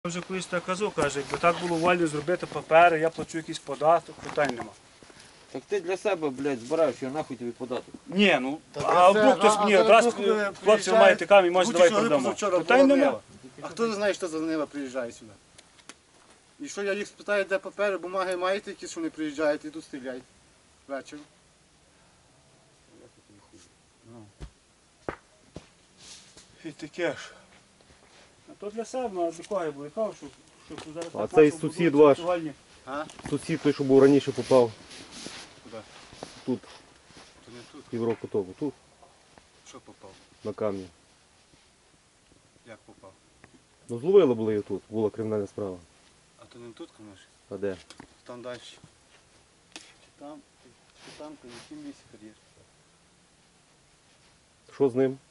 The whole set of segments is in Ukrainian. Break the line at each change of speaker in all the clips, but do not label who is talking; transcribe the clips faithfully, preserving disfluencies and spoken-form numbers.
Я вже колись так казав, каже, якби так було вольно зробити папери, я плачу якийсь податок, питань нема.
Так ти для себе, блядь, збираєш, що нахуй тобі податок.
Ні, ну,
Так
а
це-
вдруг хтось
а-
мені,
а
раз
зараз коли
хлопці ви
приїжджають,
маєте камінь, може
будь
давай
що,
продамо.
позавчора
Питань
була
нема.
Нива. А хто не знає, що за Нива приїжджає сюди? І що я їх спитаю, де папери, бумаги маєте якісь, що вони приїжджають і тут стріляють ввечері.
І таке ж. А то для себе, ну, а для кого я буду казав, що, що зараз
А
так
цей
наші
сусід
будують
ваш?
сексуальні.
А?
Сусід той, що був раніше попав
Куди?
тут,
То не тут.
півроку тому, тут,
Що попав?
на камні.
Як попав?
Ну зловили були його тут, була кримінальна справа.
А то не тут, конечно.
А де?
Там далі. Чи там, чи там, то в яким лісі кар'єр.
Що з ним?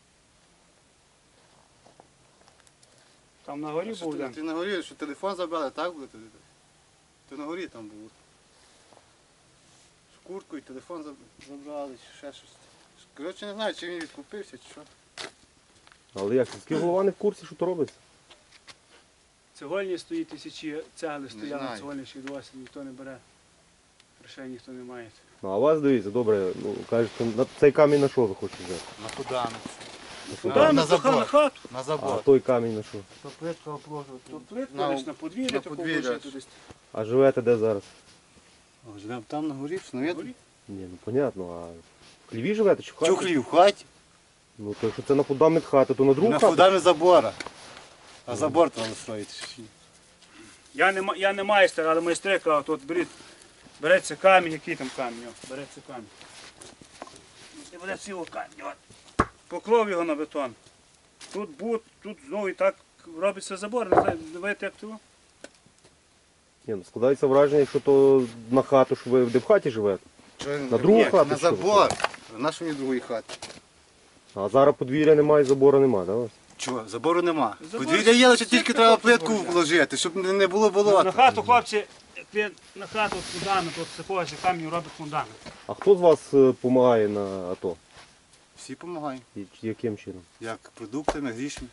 Там на горі
Що
був
ти,
один.
ти на горі, що телефон забрали, так буде тоді? Ти на горі там був. Шкурку і телефон заб- забрали, чи ще щось. Коротше, не знаю, чи він відкупився, чи що.
Але як, сільський голова не в курсі, що то робиться?
Цегольні стоїть, тисячі цегли стояли на
знаю.
цегольні, ще й досі ніхто не бере. Грошей ніхто не має.
Ну а вас дивіться, добре, ну кажете, на цей камінь на що ви хочете взяти?
На фуданок.
На
Куди
фундамент?
на
на забор.
на хату?
На
А
забор.
той камінь на що?
То плитка обложувати.
То плитку
На-
десь на подвір'я,
на
таку
подвір'я.
вложити десь.
А живете де зараз?
О, живемо там на горі, що
На
не
горі.
Ні, ну понятно, а в хліві живете чи в хаті?
Чухлі в хаті.
Ну то якщо це на фундамент хати, то на другу
На
хату?
фундамент забора. А забор треба строїти.
Я не, ма- я не майстер, але майстри кажуть, от беріть, береться камінь, який там камінь, о, береться камінь. І буде цілий камінь, от. Поклав його на бетон. Тут бут, тут знову і так робиться забор, не знаю, знаєте, як того?
Ні, ну складається враження, якщо то на хату, що ви де в хаті живете.
На
другу хату,
На
що ви
забор. На що мені другої хати?
А зараз подвір'я немає, забору немає, так?
Чого? Забору нема.
Забор-
Подвір'я є, лише тільки
Сітка
треба
просто
плитку
забор,
вложити, щоб не не було
На
болота.
хату, хлопці, як ви на хату фундамент, от з такого ж камінь робить фундамент.
А хто з вас допомагає на АТО?
Всі допомагають.
І яким чином?
Як продуктами, грішми.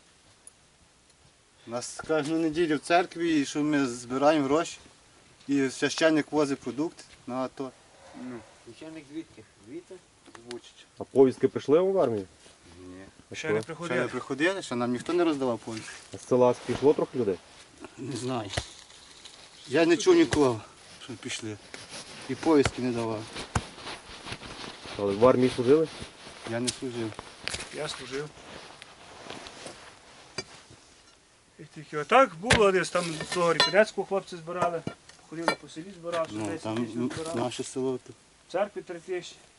У нас кожну неділю в церкві, і що ми збираємо гроші. І священник возить продукти на АТО.
Ну.
Священник звідки? Звідти?
Звучить.
А повістки прийшли вам в армію?
Ні.
А
Ще
що?
не
Ще не
приходили.
приходили, що нам ніхто не роздавав повістки.
А з села пішло трохи людей?
Не знаю. Я не чув нікого, що пішли. І повістки не давав.
Але в армії служили?
Я не служив.
Я служив. І тільки отак було десь там з того Ріпінецького хлопці збирали, ходили по селі збирали, що
Ну,
десять
там
тисяч
м,
збирали.
наше село. тут.
В церкві три тисячі.